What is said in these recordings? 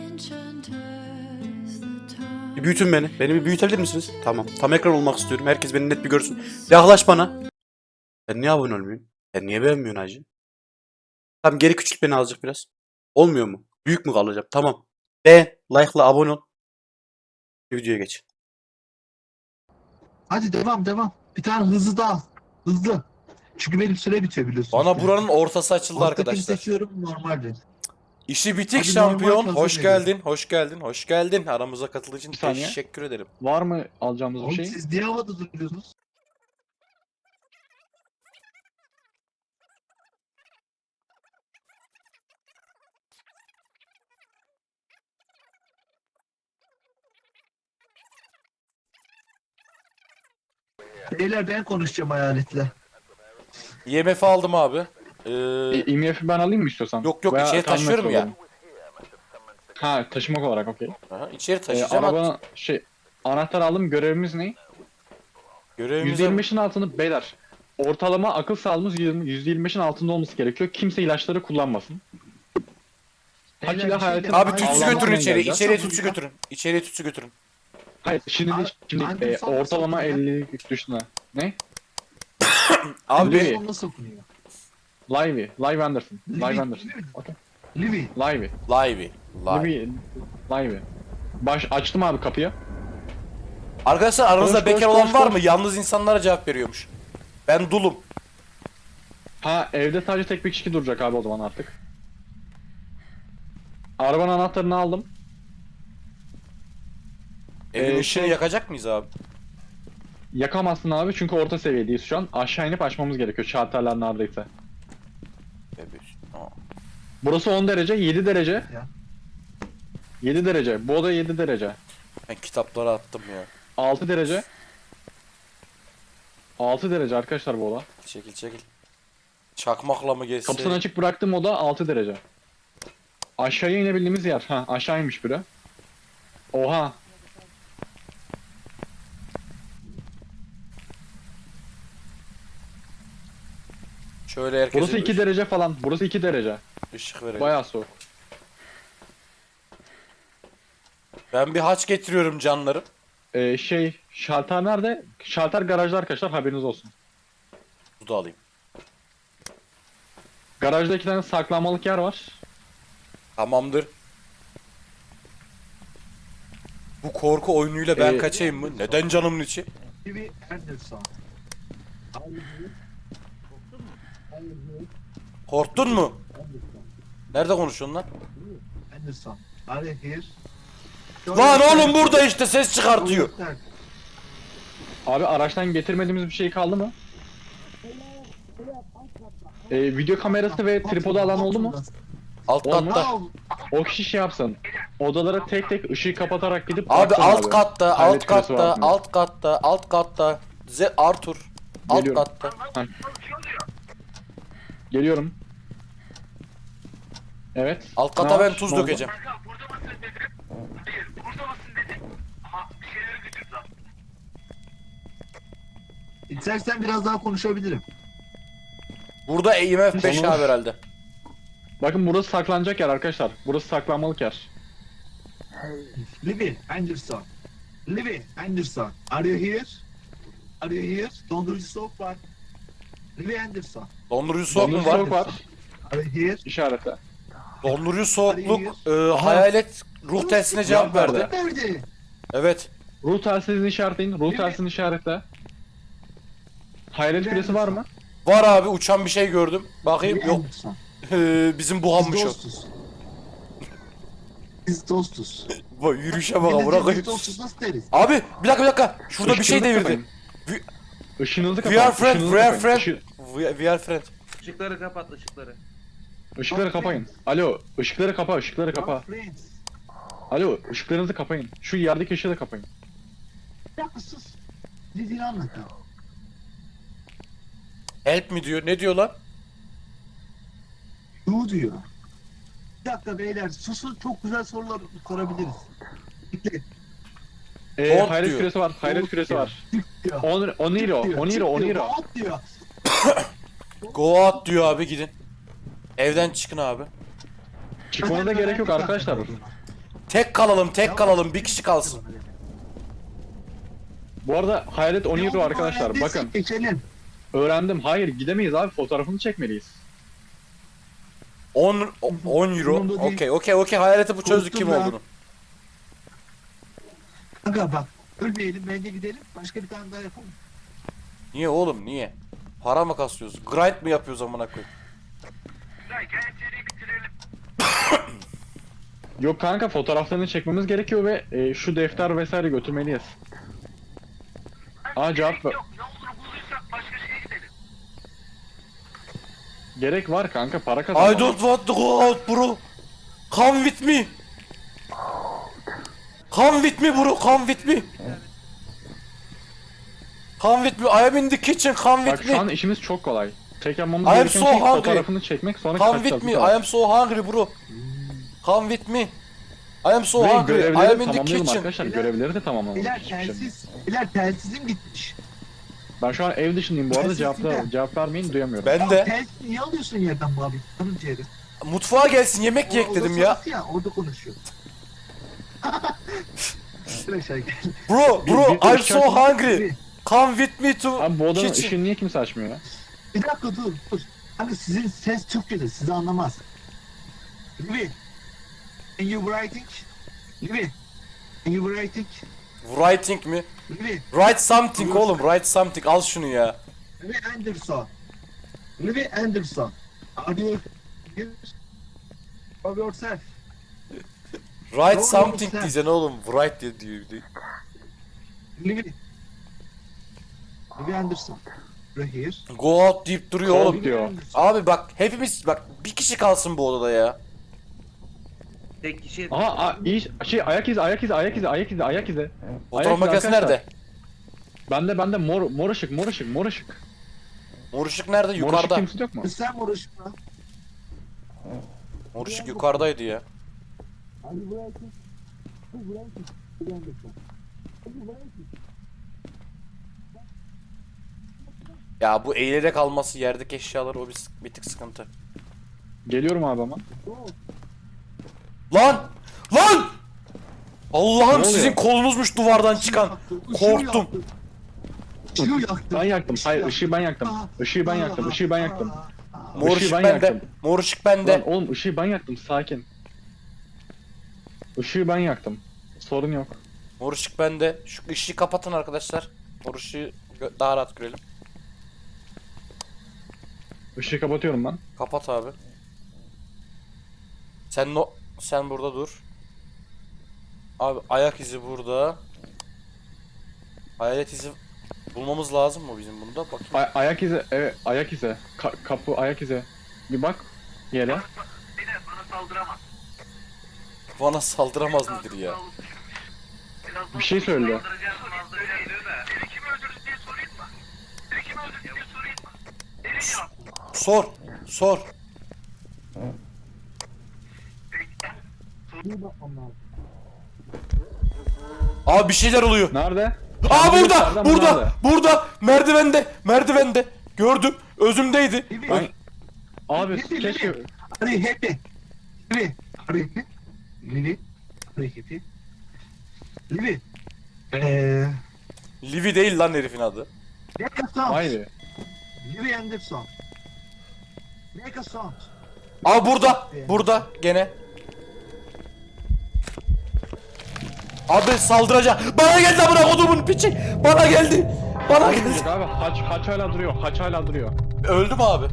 Bir büyütün beni. Beni bir büyütebilir misiniz? Tamam. Tam ekran olmak istiyorum. Herkes beni net bir görsün. Yaklaş bana. Sen niye abone olmuyorsun? Sen niye beğenmiyorsun hacı? Tamam, geri küçült beni azıcık biraz. Olmuyor mu? Büyük mü kalacağım? Tamam. Beğen, like'la abone ol. Videoya geç. Hadi devam. Bir tane hızlı daha. Hızlı. Çünkü benim süre bitiyor biliyorsunuz. Bana buranın ortası açıldı Alttakini arkadaşlar. seçiyorum normalde. İşi bitik Hadi şampiyon. normal Hoş kazanıyor. geldin. Hoş geldin. Hoş geldin. Aramıza katıldığın için Bir saniye. teşekkür ederim. Var mı alacağımız bir Oğlum şey? siz niye havada duruyorsunuz? Beyler ben konuşacağım hayaletle. IMF aldım abi. IMF'i ben alayım mı istiyorsan? Yok, Veya içeri tahmin taşıyorum ya. alalım. Ha, taşımak olarak okey. Aha, içeri taşıyacağım. Arabanın anahtar aldım, görevimiz ne? Görevimize... %25'in altını beyler. Ortalama akıl sağlığımız %25'in altında olması gerekiyor. Kimse ilaçları kullanmasın. Beyler, Hakile bir şey hayatım- de- Abi tütsü Allah'ım götürün ben içeri. geleceğim. İçeriye Nasıl tütsü bu ya? götürün. İçeriye tütsü götürün. Hayır, şimdi Abi, şimdi Anderson ortalama nasıl 50 düştüne. Ne? Abi Livy. Anderson nasıl okunuyor? Live Anderson. Live Livy. Anderson. Okay. Livy. Livey. Livey. Live. Livey. Açtım abi kapıyı. Arkadaşlar aranızda Koş, bekar koş, olan koş, var koş. mı? Yalnız insanlara cevap veriyormuş. Ben dulum. Ha, evde sadece tek bir kişi duracak abi o zaman artık. Arabanın anahtarını aldım. Evin ışığını şey- yakacak mıyız abi? Yakamazsın abi çünkü orta seviyedeyiz şu an. Aşağı inip açmamız gerekiyor şalterler neredeyse. Bebeğiz. Aa. Burası 10 derece, 7 derece. Ya. 7 derece. Bu oda 7 derece. Ben kitapları attım ya. 6 derece. 6 derece arkadaşlar bu oda. Çekil çekil. Çakmakla mı geçse? Kapısını açık bıraktığım oda 6 derece. Aşağıya inebildiğimiz yer. Ha, aşağı inmiş biri. Oha. Şöyle herkese Burası 2 derece falan. Burası 2 derece. ışık verelim. Bayağı soğuk. Ben bir haç getiriyorum canlarım. Şalter nerede? Şalter garajda arkadaşlar, haberiniz olsun. Bu da alayım. Garajda 2 tane saklanmalık yer var. Tamamdır. Bu korku oyunuyla ben Ee, kaçayım mı? Neden canımın içi? Livy Anderson. Korktun mu? Nerede konuşuyorsun lan? Anderson. Are you here? Lan oğlum burada işte ses çıkartıyor. Abi araçtan getirmediğimiz bir şey kaldı mı? Video kamerası ve tripodu alan oldu mu? Alt Olmaz. katta. O kişi şey yapsın. Odalara tek tek ışığı kapatarak gidip Abi baksın alt katta, Hayret alt küresi var katta, mı? alt katta, alt katta. Arthur. Alt Geliyorum. katta. Geliyorum. Evet. Alt Ne kata var? ben tuz Ne oldu? dökeceğim. İstersen biraz daha konuşabilirim. Burada IMF 5 Olur. abi herhalde. Bakın burası saklanacak yer arkadaşlar. Burası saklanmalık yer. Livy Anderson. Livy Anderson. Are you here? Are you here? Dondurucu soğuk var. Livy Anderson. Dondurucu soğuk mu Dondurucu var? soğuk var. Are you here? İşaretle. Dondurucu soğukluk Aha. hayalet ruh telsine cevap Cevap verdi. verdi. Nerede? Evet. Ruh telsizini işaretleyin. Ruh telsizini işaretle. Hayalet küresi var mı? Var abi, uçan bir şey gördüm. Bakayım, Livy yok. Anderson. Bizim Biz buhanmış o. dostuz. Biz dostuz. Bak yürüyüşe bak, Milletçe bırakayım. biz dostuz nasıl deriz? Abi bir dakika. Şurada bir şey Işığınızı devirdi. kapayın. Işığınızı We kapatın. are friend, ışığınızı we are kapayın. friend. We are friend. Işıkları kapat ışıkları. Işıkları kapayın. Alo, ışıkları kapa, ışıkları kapa. Our friends. Alo, ışıklarınızı kapayın. Şu yerdeki ışığı da kapayın. Bir dakika sus. Dediğini anlatayım. Help mi diyor? Ne diyor lan? Yu diyor. Bir dakika beyler susun, çok güzel sorular sorabiliriz. Bekle. Don't Hayret diyor. küresi var, hayret Don't küresi diyor. var. Çık diyor. Oniro, Çık diyor, Oniro, çık diyor, Oniro. rahat diyor. Go out diyor abi, gidin. Evden çıkın abi. Çıkmanıza gerek yok arkadaşlar. Tek kalalım, tek kalalım. Bir kişi kalsın. Bu arada Hayalet Oniru arkadaşlar bakın. Geçelim. Öğrendim. Hayır gidemeyiz abi. Fotoğrafını çekmeliyiz. 10 euro. Umurumda değil. Okey. Hayaleti bu çözdük kim Korktum ya. olduğunu. Kanka bak. Ölmeyelim bence gidelim. Başka bir tane daha yapalım. Niye oğlum niye? Para mı kasıyoruz? Grind mi yapıyoruz amına koyayım? Yok kanka fotoğraflarını çekmemiz gerekiyor ve şu defter vesaire götürmeliyiz. Aa cevap ver. Gerek var kanka para I kazanmak. don't want to go out bro. Come with me. Come with me bro. Come with me. Come with me. I am in the kitchen. Come Bak with şu an me. işimiz çok kolay. Tek yapmamız I am gereken so şey hungry. fotoğrafını çekmek sonra Come kaçacağız. with me. bu I kadar. am so hungry bro. Come with me. I am so Ve hungry. I görevleri am in the tamamlayalım kitchen. arkadaşlar. Görevleri de tamamlamalıyız. Biler şimdi. telsiz. Biler telsizim gitmiş. Ben şu an ev dışındayım bu arada Telsiz de. cevap vermeyin duyamıyorum. Ben Ya de. telsiz niye alıyorsun yerden bu abi? Tanım ciğeri. Mutfağa gelsin yemek yiyek dedim ya. Ya orada konuşuyor. Şuraya şey gel. Bro bir I'm so hungry. Come with me to Abi bu odanın kitchen. ışığını niye kimse açmıyor ya? Bir dakika dur. Hani sizin ses Türkçedir. Sizi anlamaz. Livi. Can you writing? Livi. Can you writing? Writing mi? Livi. Write something oğlum. Write something. Al şunu ya. Livi Anderson. Livi Anderson. Are you here? Of yourself. Write Doğru, something sen. diyeceksin oğlum. Write diyor. Livi. Livi Anderson. Right here. Go out deyip duruyor Go oğlum. out diyor. Abi bak hepimiz bak bir kişi kalsın bu odada ya. Tek kişi. Aha şey ayak izi. Fotoğraf Ayak izi makinesi arkadaşlar. nerede? Bende mor ışık. Mor ışık nerede? Mor ışık Yukarıda. kimse yok mu? Sen uğraşma. Mor ışık yukarıdaydı ya. Hadi bırakın. Hadi bırakın. Livi Anderson. Hadi bırakın. Ya bu eğilerek alması yerdeki eşyalar o bir tık sıkıntı. Geliyorum abi ama. Lan! Lan! Allah'ım Ne sizin oluyor? kolunuzmuş duvardan çıkan. Korktum. Işığı yaktı. Ben yaktım. Hayır ışığı ben yaktım. Işığı ben yaktım. Işığı ben yaktım. Mor Işığı ışık ben bende. yaktım. Mor ışık Lan bende. oğlum ışığı ben yaktım sakin. Işığı ben yaktım. Sorun yok. Mor ışık bende. Şu ışığı kapatın arkadaşlar. Mor ışığı daha rahat görelim. Işığı kapatıyorum ben. Kapat abi. Sen burada dur. Abi ayak izi burada. Hayalet izi bulmamız lazım mı bizim bunda? Bakayım. Ayak izi. Evet ayak izi. Kapı ayak izi. Bir bak yere. Bana saldıramaz nedir ya? Bir şey söyledi. Sor. Sor. Abi bir şeyler oluyor. Nerede? Aa Nerede? burada. Nerede? Burada. Nerede? Burada. Merdivende. Gördüm. Özümdeydi. Ben... Abi Livi, keşke... Livi. Hurry happy. Livi. Hurry happy. Livi. Hurry happy. Livi. Livi değil lan herifin adı. Make a sound. Hayır. Livi Anderson. Make a sound. Aa burada. Burada gene. Abi saldıracak. Bana geldi amına kodumun piçi. Bana geldi. Bana geldi. Olmayacak abi. Haç hala duruyor. Haç hala duruyor. Öldü mü abi?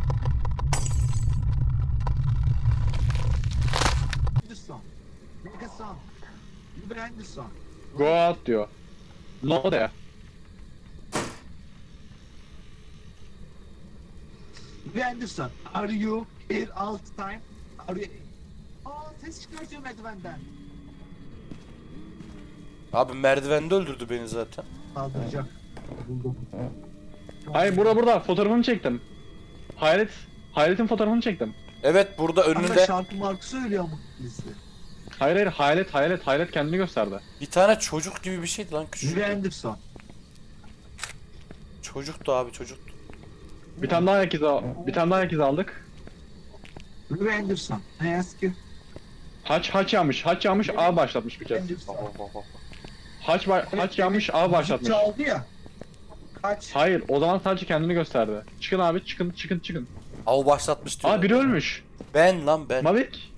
Anderson. Make a sound. Livi Anderson. Go out diyor. No de. Livi Anderson. Are you here all the time? Are you... Aa ses çıkartıyor merdivenden. Abi merdivende öldürdü beni zaten. Saldıracak. Buldum. Hayır burada fotoğrafını çektim. Hayaletin fotoğrafını çektim. Evet burada Kanka önünde şarkı markı söylüyor ama liste. Hayır hayalet kendini gösterdi. bir tane çocuk gibi bir şeydi lan küçük. Livi Anderson. Çocuktu abi çocuk. Bir tane daha ayak izi aldık. Livi Anderson. I ask you. Haç yanmış A başlatmış bir kez. Haç yanmış A başlatmış. Çaldı ya. Kaç. Hayır o zaman sadece kendini gösterdi. Çıkın abi çıkın. Av başlatmış diyor. Aa biri ölmüş. Ben lan ben. Mavik.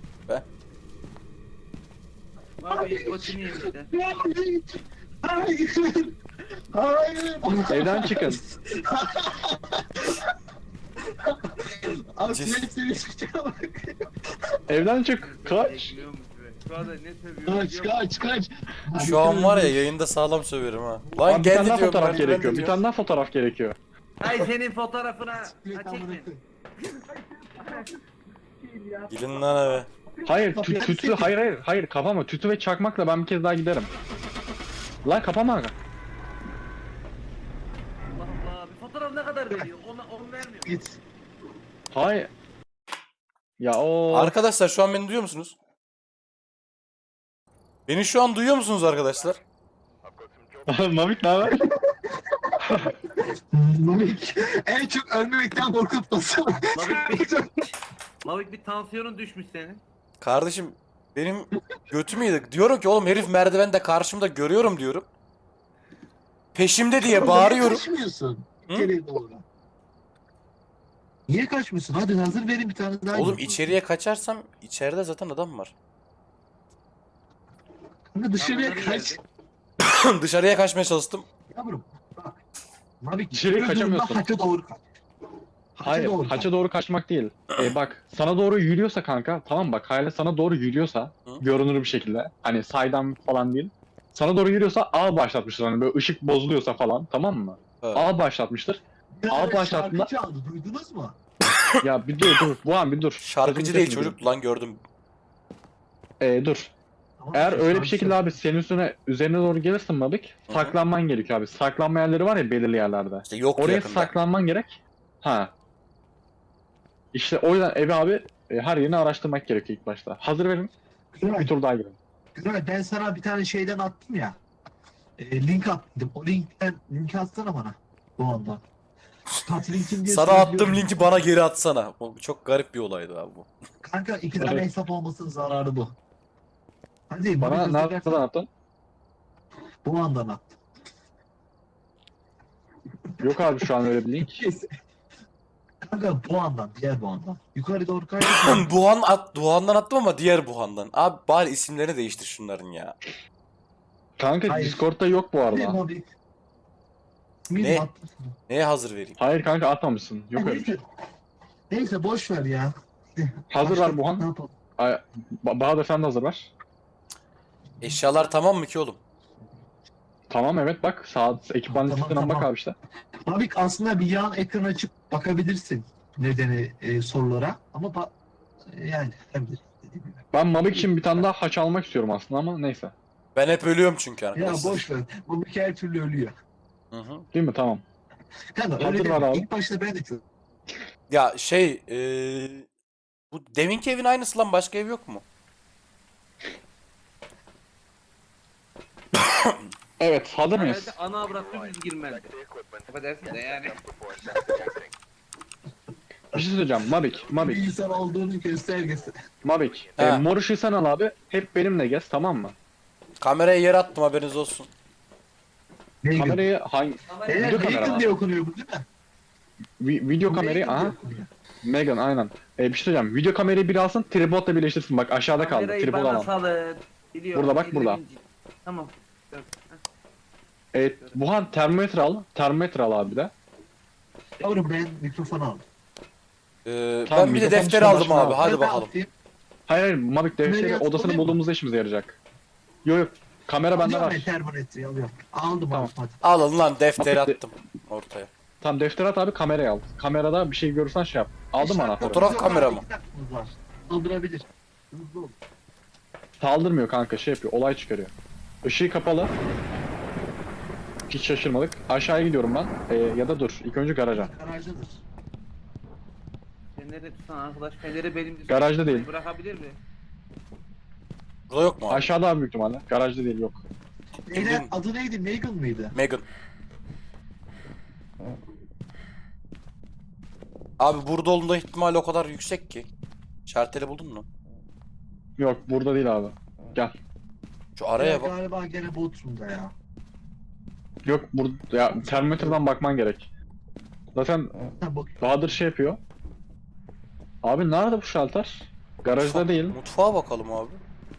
Abi götünü yemişler. Hayır. Hayır. Evden çıkın. Abi Cis- seni çıkacağım. Evden çık. Kaç. Bekliyormuş be. Şu anda ne sövüyor? Kaç. Şu an var ya yayında sağlam söverim ha. Lan Abi bir geldi tane daha diyorum. fotoğraf ben de gerekiyor. Bir diyorum. tane daha fotoğraf gerekiyor. Hay senin fotoğrafına. Ha çekme. Gidin lan eve. Hayır tütü hayır kapama. Tütü ve çakmakla ben bir kez daha giderim. Lan kapama. Allah Allah. Bir fotoğraf ne kadar veriyor? Onu vermiyor. Git. Hayır. Ya o Arkadaşlar şu an beni duyuyor musunuz? Beni şu an duyuyor musunuz arkadaşlar? Mavik ne haber? Mavik en çok ölmemekten korkutmasın. Mavik bir tansiyonun düşmüş senin. Kardeşim benim götümü yedik. Diyorum ki oğlum herif merdivende karşımda görüyorum diyorum. Peşimde diye bağırıyorum. Niye kaçmıyorsun? Hı? İçeriye doğru. Niye kaçmıyorsun? Hadi hazır verin bir tane daha. Oğlum yiyin. içeriye kaçarsam içeride zaten adam var. Kanka dışarıya Bunları kaç. yerdik. Dışarıya kaçmaya çalıştım. Yavrum bak. Mavik Dışarıya yürü durumda kaçamıyorsun. Haça doğru kaç. Hayır, doğru kaç. haça doğru kaçmak değil. Bak, sana doğru yürüyorsa kanka, tamam bak, Hayale sana doğru yürüyorsa, Hı? görünür bir şekilde, hani saydam falan değil. Sana doğru yürüyorsa A başlatmıştır, hani böyle ışık bozuluyorsa falan, tamam mı? Evet. A başlatmıştır. Ya, Al başlatma. şarkı çaldı duydunuz mu? Ya bir dur, bu an bir dur. Şarkıcı Sözünü değil kesmeyeyim. çocuk lan gördüm. Dur. Tamam, Eğer öyle bir şarkı şekilde çaldı. abi senin üzerine doğru gelirsin Mabik, Hı hı. saklanman gerekiyor abi. Saklanma yerleri var ya belirli yerlerde. İşte yoktu Oraya yakında. saklanman gerek. Ha. İşte o yüzden evi abi her yerini araştırmak gerekiyor ilk başta. Hazır verin. Güray, Bir tur daha girelim. Güray, ben sana bir tane şeyden attım ya. Link attım. O linki atsana bana. Bu anda. Kat linkin diye Sana attığım söylüyorum. linki bana geri atsana. Bu çok garip bir olaydı abi bu. Kanka iki tane Evet. hesap olmasının zararı bu. Hadi Bana Mavik nereden hazırlarsan attın? bu andan at. Yok abi şu an öyle bir link. Neyse. Kanka bu andan, diğer bu andan. Yukarı doğru kaydı. Buhan'dan attım ama diğer Buhan'dan. Abi bari isimlerini değiştir şunların ya. Kanka Hayır. Discord'da yok bu Hadi arada. Mavik. Ne? Ne? Attım sana. Neye hazır vereyim? Hayır kanka atmamışsın. Yok öyle bir şey. Neyse boş ver ya. Hazır Başka- ver Buhan. Ne yapalım? Bahadır sen de hazır ver. Eşyalar tamam mı ki oğlum? Tamam evet bak sağ ekipman Tamam, listesinden bak tamam. abi işte. Mavik aslında bir yan ekran açıp bakabilirsin nedeni sorulara ama yani tabii dediğim gibi. Ben Mavik için bir tane daha haç almak istiyorum aslında ama neyse. Ben hep ölüyorum çünkü Ya arkadaşlar. boş ver. Mavik her türlü ölüyor. Hı hı. Değil mi? Tamam. Kanka Hazır öyle var deme. abi. İlk başta ben de çok. Ya şey bu deminki evin aynısı lan başka ev yok mu? Evet hazır mıyız? Herhalde ana avrat dümdüz girmez. Affedersin de yani. Bir şey söyleyeceğim. Mavik. Bir insan olduğunun göstergesi. Mavik. Ha. Mor ışığı sen al abi. Hep benimle gez tamam mı? Kameraya yer attım haberiniz olsun. Neyi Kamerayı hangi... Eğer Video kamera Megan var. diye okunuyor bu değil mi? Video kamerayı... Megan diye Aha. okunuyor. Megan aynen. Bir şey söyleyeceğim. Video kamerayı bir alsın, tripodla birleştirsin. Bak aşağıda kaldı. Kamerayı Tripod bana alan. salın. Biliyorum, Burada bak, burada. izledim. Tamam. Buhan termometre al. Termometre al abi de. Yavrum ben mikrofon aldım. Tamam, Ben bir de mikrofon defter dışında aldım başına abi al. hadi Ben bakalım. atayım. Hayır Mavik defteri Kamerayı odasını alayım mı? bulduğumuzda işimize yarayacak. Yok kamera bende Alıyorum var. ben termometreyi alıyorum. Aldım Tamam. aldım hadi. Alın lan defteri Mavik de- attım ortaya. Tamam defter at abi kamerayı al. Kamerada bir şey görürsen şey yap. Aldın mı anahtarı? Fotoğraf kamera mı? Kaldırabilir. Hızlı ol. Saldırmıyor kanka şey yapıyor olay çıkarıyor. Işığı kapalı. Hiç şaşırmadık. Aşağıya gidiyorum ben. Ya da dur ilk önce garaja. Garajdadır. Sen nerede tutsan arkadaş? Feneri benim Garajda değil. Bırakabilir mi? Burada yok mu abi? Aşağıda abi büyük ihtimalle. Garajda değil yok. Beyler adı neydi? Megan mıydı? Megan. Abi burada olduğunda ihtimal o kadar yüksek ki. Şarteli buldun mu? Yok burada değil abi. Gel. Şu araya bak. Galiba gene Bodrum'da ya. Yok burada ya termometreden bakman gerek. Zaten Ha bak. Bahadır şey yapıyor. Abi nerede bu şalter? Garajda değil. Mutfağa bakalım abi.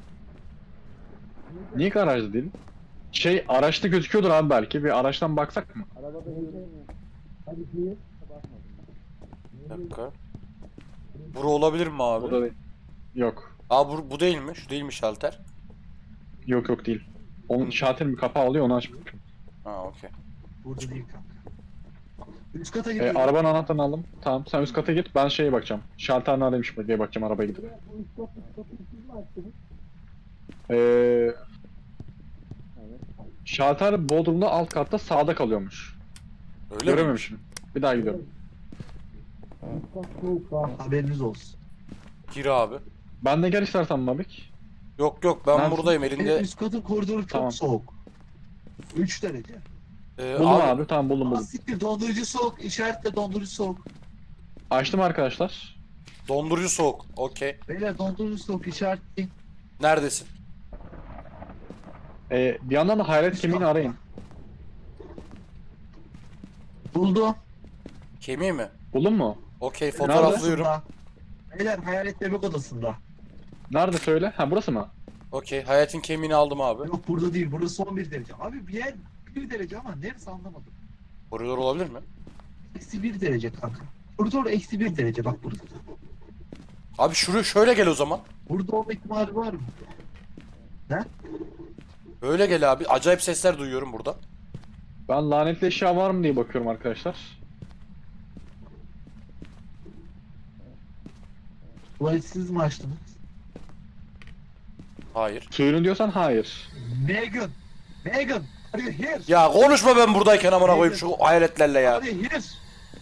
Niye garajda değil? Şey araçta gözüküyordur abi belki. Bir araçtan baksak mı? Bir dakika. Bura olabilir mi abi? Burada değil. Yok. Aa bu değil mi? Şu değil mi şalter? Yok yok değil. Onun şalterin bir kapağı oluyor onu açmak. Ha okey. Burada değil kanka. Üst kata gidiyorum. Arabanın anahtarını aldım. Tamam sen üst kata git ben şeye bakacağım. Şalter neredeymiş diye bakacağım arabaya gidip. Şalter Bodrum'da alt katta sağda kalıyormuş. Öyle mi? Görememişim. Bir daha gidiyorum. Haberiniz olsun. Gir abi. Ben de gel istersen Mabik. Yok yok ben Neredesin? buradayım elinde. Üst katın koridoru çok Tamam. soğuk. 3 derece. Buldum Abi, abi tamam buldum buldum. Siktir dondurucu soğuk. İşaretle dondurucu soğuk. Açtım arkadaşlar. dondurucu soğuk. Okey. Beyler dondurucu soğuk işaretleyin. Neredesin? Bir yandan da hayalet kemiğini arayın. Buldum. Kemiği mi? Buldun mu? Okey fotoğraflıyorum. Odasında. Beyler hayalet bebek odasında. Nerede söyle? Ha burası mı? Okey hayatın kemiğini aldım abi. Yok burada değil. Burası 11 derece. Abi bir yer 1 derece ama neresi anlamadım. Koridor olabilir mi? Eksi 1 derece kanka. Koridor eksi 1 derece bak burada. Abi şöyle gel o zaman. Burada olma ihtimali var mı? Böyle gel abi. Acayip sesler duyuyorum burada. Ben lanetli eşya var mı diye bakıyorum arkadaşlar. Tuvaletsiz mi açtınız? Hayır. Suyunu diyorsan hayır. Megan! Megan! Are you here? Ya konuşma ben buradayken amına koyayım şu hayaletlerle ya. Are you here?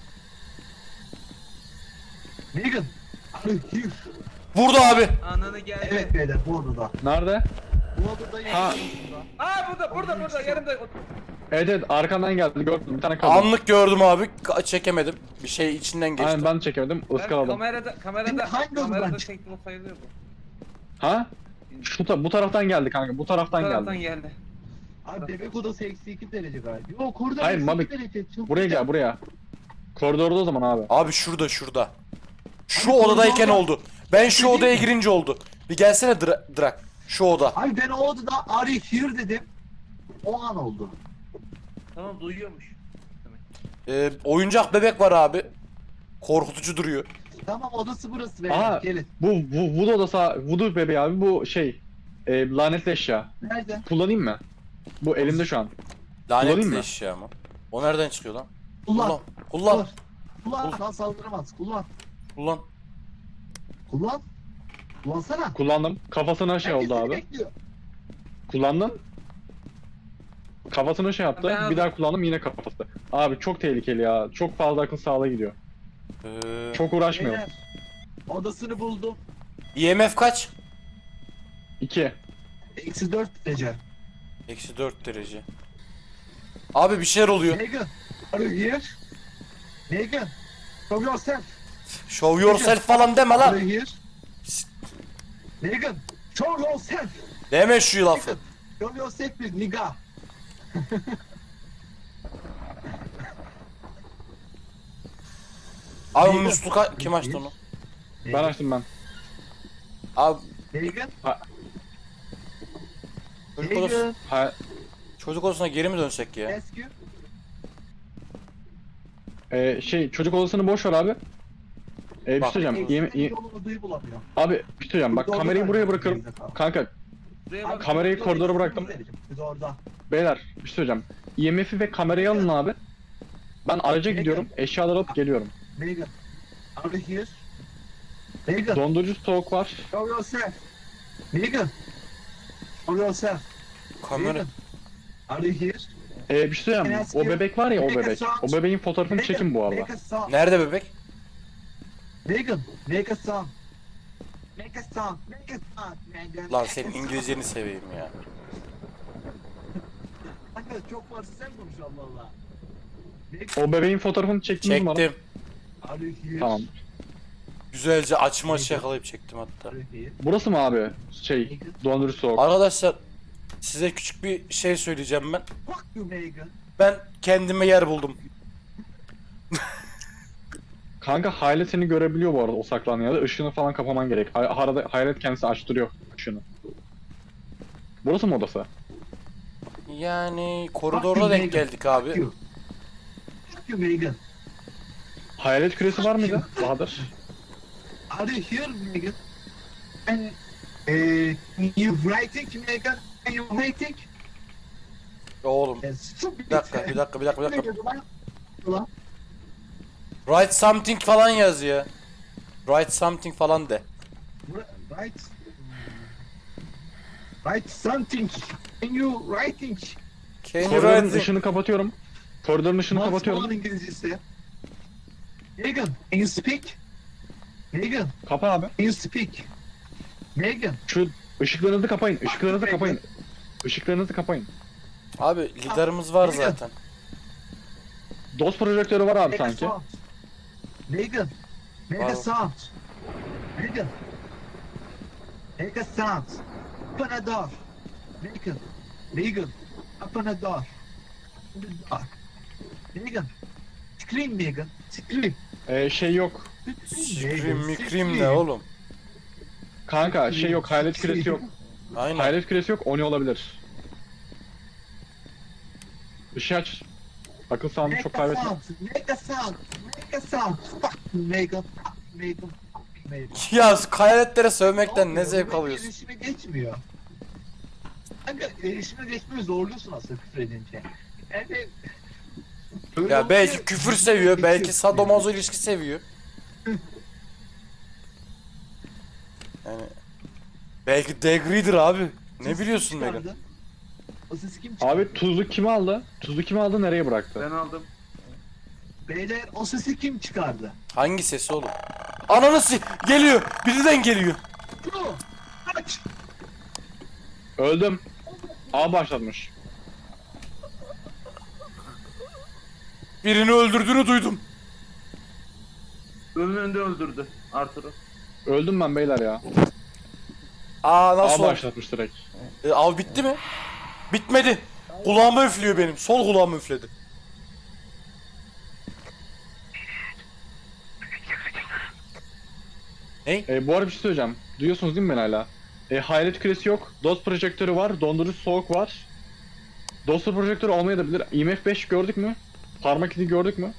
Megan! Are you here? Burada abi. Ananı geldi. Evet beyler bu odada. Nerede? Bu odada Ha. Aa burada yanımda. Evet evet arkandan geldi gördüm bir tane kaldı. Anlık gördüm abi. Çekemedim. Bir şey içinden geçti. Aynen ben de çekemedim Ben ıskaladım. kamerada Hangi odadan kamerada çıktı? çektim o sayılıyor bu. Ha? Bu taraftan geldi kanka bu taraftan Bu taraftan geldi. geldi. Abi bebek odası eksi 2 derece galiba. Yok koridor Hayır, eksi Mabik. 2 derece. Çok Buraya güzel. gel buraya. Koridorda o zaman abi. Abi şurada. Şu Abi odadayken koridorda- oldu. Ben şu Değil odaya mi? girince oldu. Bir gelsene Drak. Şu oda. Abi ben o odada are you here dedim. O an oldu. Tamam duyuyormuş. Oyuncak bebek var abi. Korkutucu duruyor. Tamam odası burası beyler. Aa Gelin. bu Voodoo odası Voodoo bebeği abi bu şey lanetli eşya. Nerede? Kullanayım mı? Bu elimde şu an. Kullanayım Lanetli mı? eşya mı? O nereden çıkıyor lan? Kullan. Kullan. Kullan. Lan saldıramaz. Kullan. Kullan. Kullan. Kullansana. Kullandım. Kafasına şey Herkes oldu seni abi. bekliyor. Kullandın. Kafasına şey yaptı. Ben Bir daha kullandım yine kafası. Abi çok tehlikeli ya. Çok fazla akıl sağlığa gidiyor. Çok uğraşmayalım. Beyler. Odasını buldum. IMF kaç? 2. Eksi 4 derece. Eksi 4 derece. Abi bir şeyler oluyor. Megan. Are you here? Megan. Show yourself. Show yourself falan deme Are lan. you here? Megan. Show yourself. Deme şu lafı. Show yourself bir nigga. Abi Megan. musluka kim açtı onu? Ben açtım ben. Abi Megan. çocuk, odası, Megan. Ha, çocuk odasına geri mi dönsek ya? Rescue. şey çocuk odasını boş ver abi. Bir Bak. şey söyleyeceğim. Eksi yolunu duyu bulamıyor. Abi bir şey söyleyeceğim. Bak Biz kamerayı orada buraya kaldık, bırakırım. gerizekalı. Kanka Buraya Abi, bak. kamerayı koridora bıraktım. Biz orada. Beyler bir şey söyleyeceğim. IMF'i ve kamerayı alın abi. Ben araca gidiyorum. Eşyaları alıp geliyorum. Megan. Are you here? Megan. Dondurucu soğuk var. Show yourself. Megan. Show yourself. Kamera. Megan. Are you here? Bir şey söyleyeceğim. O bebek var ya o bebek. O bebeğin fotoğrafını çekin bu arada. Make a sound. Nerede bebek? Megan. Make a sound. Make a sound. Make a sound. Megan. Lan make senin a sound. İngilizceni seveyim ya. Kanka çok varsa sen konuş Allah Allah. Megan. O bebeğin fotoğrafını çektiniz mi bana? Çektim. Are you here? Tamam. Güzelce açma yakalayıp çektim hatta. Here. Burası mı abi? Şey, dondurucu soğuk. Arkadaşlar size küçük bir şey söyleyeceğim ben. Fuck you, Megan. Ben kendime yer buldum. Kanka Hayalet seni görebiliyor bu arada o saklandığın yerde. Işığını falan kapaman gerek. Arada Hayalet kendisi açtırıyor ışığını. Burası mı odası? Yani koridorda denk geldik abi. Fuck you, Megan. Hayalet küresi var mıydı Bahadır? Are you here, Megan? And you writing, Megan? Are you writing? Oğlum Stupid. bir dakika. Ulan. Write something falan yaz ya. Write something falan de. Write. Write something. Can you writing? Can you Koridorun write? ışığını kapatıyorum. Koridorun ışığını What's kapatıyorum. on İngilizcesi? Megan, can you speak? Megan, Kapa abi. can you speak? Megan. Şu ışıklarınızı kapayın. Işıklarınızı kapayın. Işıklarınızı kapayın. Abi liderimiz var zaten. DOS projektörü var abi Make a sanki. sound. Megan. Make Wow. a sound. Megan. Make a sound. Open a door. Megan. Megan. Open a door. Open the door. Megan. Scream Megan. Scream. Şey yok. Scream mikrim ne oğlum? Kanka şey yok. Hayalet küresi yok. Aynen. Hayalet küresi yok. Oni olabilir. Işığı aç. Akıl sağlığını Make çok a kaybetme. sound. Make a sound. Make a sound. Fuck Megan. Fuck Megan. Fuck Megan. Ya hayaletlere sövmekten ne Olmuyor, zevk bunun alıyorsun? Erişime geçmiyor. Kanka erişime geçmeyi zorluyorsun aslında küfür edince. Yani... Öyle Ya olunca belki küfür seviyor, belki geçiyorsun sadomazo ilişki seviyor. Yani belki degree'dir abi. yani. Ne Sesi biliyorsun kim Megan? çıkardı? O sesi kim çıkardı? Abi tuzu kim aldı? Tuzu kim aldı nereye bıraktı? Ben aldım. Beyler o sesi kim çıkardı? Hangi sesi oğlum? Ananı geliyor. Birden geliyor. Bro! Kaç! Öldüm. A başlatmış. Birini öldürdüğünü duydum. Önünde öldürdü Arthur'u. Öldüm ben beyler ya. Aa A nasıl oldu? başlatmış direkt. Av bitti mi? Bitmedi. Kulağıma üflüyor benim. Sol kulağıma üfledi. Bu arada bir şey söyleyeceğim. Duyuyorsunuz değil mi beni hala? Hayalet küresi yok. DOS projektörü var. Dondurucu soğuk var. DOS projektörü olmayabilir. IMF 5 gördük mü? Parmak izi gördük mü?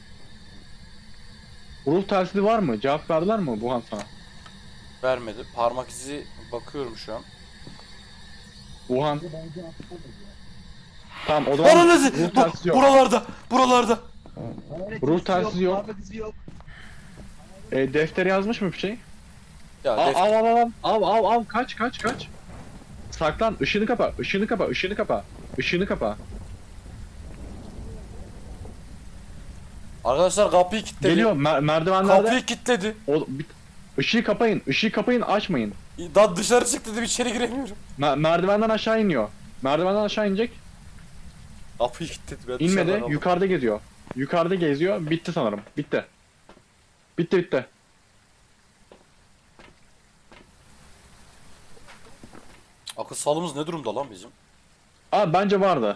Ruh telsizi var mı? Cevap verdiler mi Buhan sana? Vermedi. Parmak izi bakıyorum şu an. Buhan. Tamam o zaman Ananı ruh telsizi yok. Buralarda. Ruh telsizi yok. Parmak izi yok. Deftere yazmış mı bir şey? Ya Al kaç. Saklan, ışığını kapa. Işığını kapa. Arkadaşlar kapıyı kilitledi. Geliyor merdivenlerde. Kapıyı kilitledi. Işığı kapayın, açmayın. Daha dışarı çık dedim, içeri giremiyorum. Merdivenden aşağı iniyor. Merdivenden aşağı inecek. Kapıyı kilitledi. Ben İnmedi, dışarıda kaldım. yukarıda geziyor. Yukarıda geziyor, bitti sanırım. Bitti. Akıl sağlığımız ne durumda lan bizim? Abi bence vardı.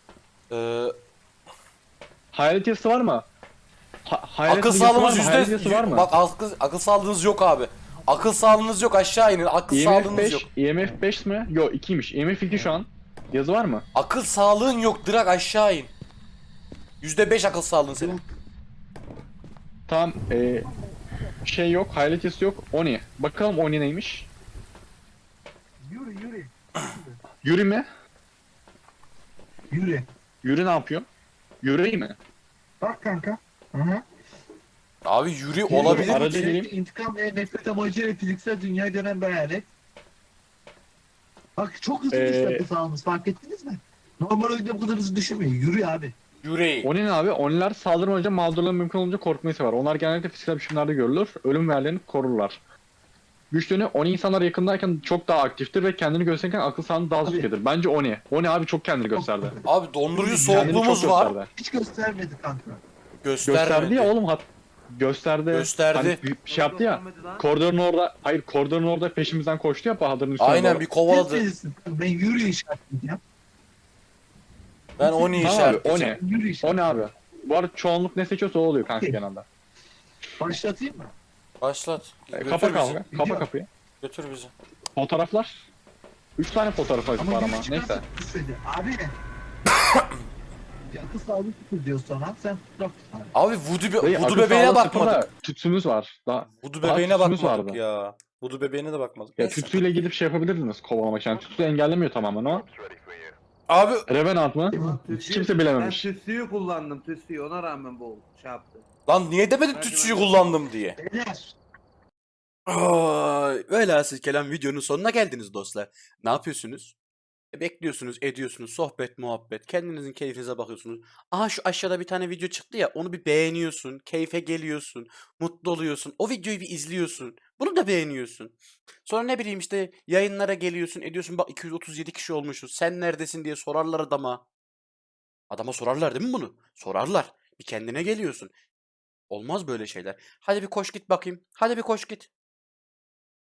Hayalet yazısı var mı? Hayalet akıl yazısı var sağlığımız mı? Hayalet yazısı var mı? Bak akıl sağlığınız yok abi. Akıl sağlığınız yok, aşağı inin. Akıl sağlığınız yok. IMF 5 mi? Yok 2'ymiş. IMF 2 şu an. Yazı var mı? Akıl sağlığın yok, direkt aşağı in. %5 akıl sağlığın senin. Tamam. Şey yok, hayalet yazısı yok. Oni. Bakalım Oni neymiş? Yürü. Yuri mi? Yürü. Yuri ne yapıyor? Yuri mi? Bak kanka. Hı-hı. Abi yürü olabilir mi? Aracı geleyim. İntikam ve nefret amacıyla fiziksel dünyaya dönen bir hayalet. Bak çok hızlı düştü sağımız, fark ettiniz mi? Normal oyunda bu kadar hızlı düşürmüyor. Yürü abi. Yürü. Oni ne abi? Oniler saldırmayınca mağdurların mümkün olunca korkmayı sever. Onlar genellikle fiziksel biçimlerde görülür. Ölüm verlerini korurlar. Güçlüğünü Oni insanlar yakındayken çok daha aktiftir ve kendini gösterirken akıl sağlığını daha zükedir. Bence Oni. Oni abi çok kendini gösterdi. Abi dondurucu Kendini çok soğukluğumuz var. gösterdi. Hiç göstermedi kanka. Göstermedi. Gösterdi ya oğlum Gösterdi. Hani bir şey yaptı ya. Göstermedi lan. Koridorun orada peşimizden koştu ya Bahadır'ın üstüne Aynen doğru. bir kovaladı. Bilirsin. Ben yürü işaretleyeceğim. Ben onu Tamam abi, işaretleyeceğim. Yürü O ne işaretleyeceğim. abi? Bu arada çoğunluk ne seçiyorsa o oluyor kanka Okey. genelde. Başlatayım mı? Başlat. Götür Kapa bizi. kavga. Kapa kapıyı. Götür bizi. Fotoğraflar. 3 tane fotoğraf var ama yürü neyse. çıkarsın istedi. Abi. Yakı sağlık tutur diyor sana. Sen fotoğraf tut abi. Abi Dayı, Voodoo akıl bebeğine sağlığı sıfır da bakmadık. Tütsümüz var. Voodoo daha bebeğine tütsümüz bakmadık vardı. ya. Voodoo bebeğine de bakmadık. Ya Neyse. tütsüyle gidip şey yapabilirdiniz kovalamak için. Yani tütsü engellemiyor tamamen ama. Abi Revenant mı? Lan Hiç kimse bilememiş. Ben tütsüyü kullandım tütsüyü ona rağmen bu şey yaptı. lan niye demedin tütsüyü kullandım diye. Beyler. Velhasıl kelam videonun sonuna geldiniz dostlar. Ne yapıyorsunuz? Bekliyorsunuz, ediyorsunuz, sohbet, muhabbet, kendinizin keyfinize bakıyorsunuz. Aha şu aşağıda bir tane video çıktı ya, onu bir beğeniyorsun, keyfe geliyorsun, mutlu oluyorsun, o videoyu bir izliyorsun, bunu da beğeniyorsun. Sonra ne bileyim işte yayınlara geliyorsun, ediyorsun, bak 237 kişi olmuşuz, sen neredesin diye sorarlar adama. Adama sorarlar değil mi bunu? Sorarlar. Bir kendine geliyorsun. Olmaz böyle şeyler. Hadi bir koş git bakayım. Hadi bir koş git.